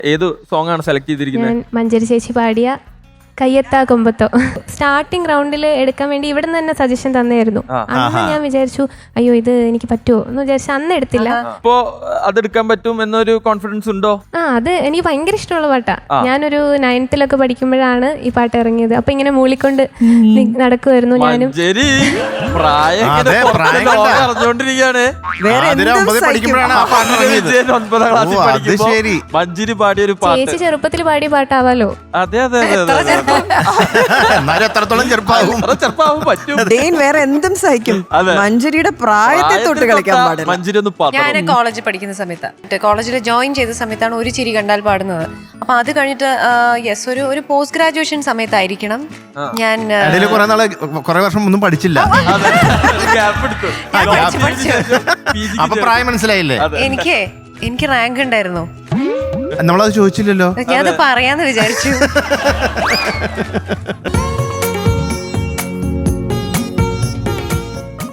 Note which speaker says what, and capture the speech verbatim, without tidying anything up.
Speaker 1: ഏത് സോങ് ആണ് സെലക്ട് ചെയ്തിരിക്കുന്നത്?
Speaker 2: മഞ്ചരി ചേച്ചി പാടിയ കയ്യെത്താ കൊമ്പത്തോ. സ്റ്റാർട്ടിംഗ് റൗണ്ടിൽ എടുക്കാൻ വേണ്ടി ഇവിടെ നിന്ന് തന്നെ സജഷൻ തന്നെയായിരുന്നു. അന്ന് ഞാൻ വിചാരിച്ചു അയ്യോ ഇത് എനിക്ക് പറ്റുമോ എന്ന് വിചാരിച്ചു അന്ന് എടുത്തില്ല.
Speaker 1: ഇപ്പോ അതെടുക്കാൻ പറ്റും എന്നൊരു കോൺഫിഡൻസ് ഉണ്ടോ?
Speaker 2: ആ അത് എനിക്ക് ഭയങ്കര ഇഷ്ടമുള്ള പാട്ടാ. ഞാനൊരു നയൻത്തിലൊക്കെ പഠിക്കുമ്പോഴാണ് ഈ പാട്ട് ഇറങ്ങിയത്. അപ്പൊ ഇങ്ങനെ മൂളിക്കൊണ്ട് നടക്കുമായിരുന്നു ഞാനും.
Speaker 1: അറിഞ്ഞോണ്ടിരിക്കുകയാണ് മഞ്ജരി പാടിയ ഒരു പാട്ട്.
Speaker 2: ചേച്ചി ചെറുപ്പത്തിൽ പാടിയ പാട്ടാവാലോ.
Speaker 1: അതെ അതെ അതെ
Speaker 3: വേറെ എന്തും സഹിക്കും. മഞ്ജരിയുടെ പ്രായത്തെ തൊട്ട് കളിക്കാൻ പാടില്ല.
Speaker 1: മഞ്ജരി ഒന്ന്
Speaker 4: ഞാൻ കോളേജിൽ പഠിക്കുന്ന സമയത്ത് കോളേജിൽ ജോയിൻ ചെയ്ത സമയത്താണ് ഒരു ചിരി കണ്ടാൽ പാടുന്നത്. അപ്പൊ അത് കഴിഞ്ഞിട്ട് യെസ് ഒരു ഒരു പോസ്റ്റ് ഗ്രാജുവേഷൻ സമയത്തായിരിക്കണം ഞാൻ
Speaker 5: കുറെ വർഷം ഒന്നും പഠിച്ചില്ല. പ്രായം മനസ്സിലായില്ലേ?
Speaker 4: എനിക്ക് എനിക്ക് റാങ്ക് ഉണ്ടായിരുന്നു.
Speaker 5: നമ്മളത് ചോദിച്ചില്ലല്ലോ.
Speaker 4: ഞാനത് പറയാന്ന് വിചാരിച്ചു.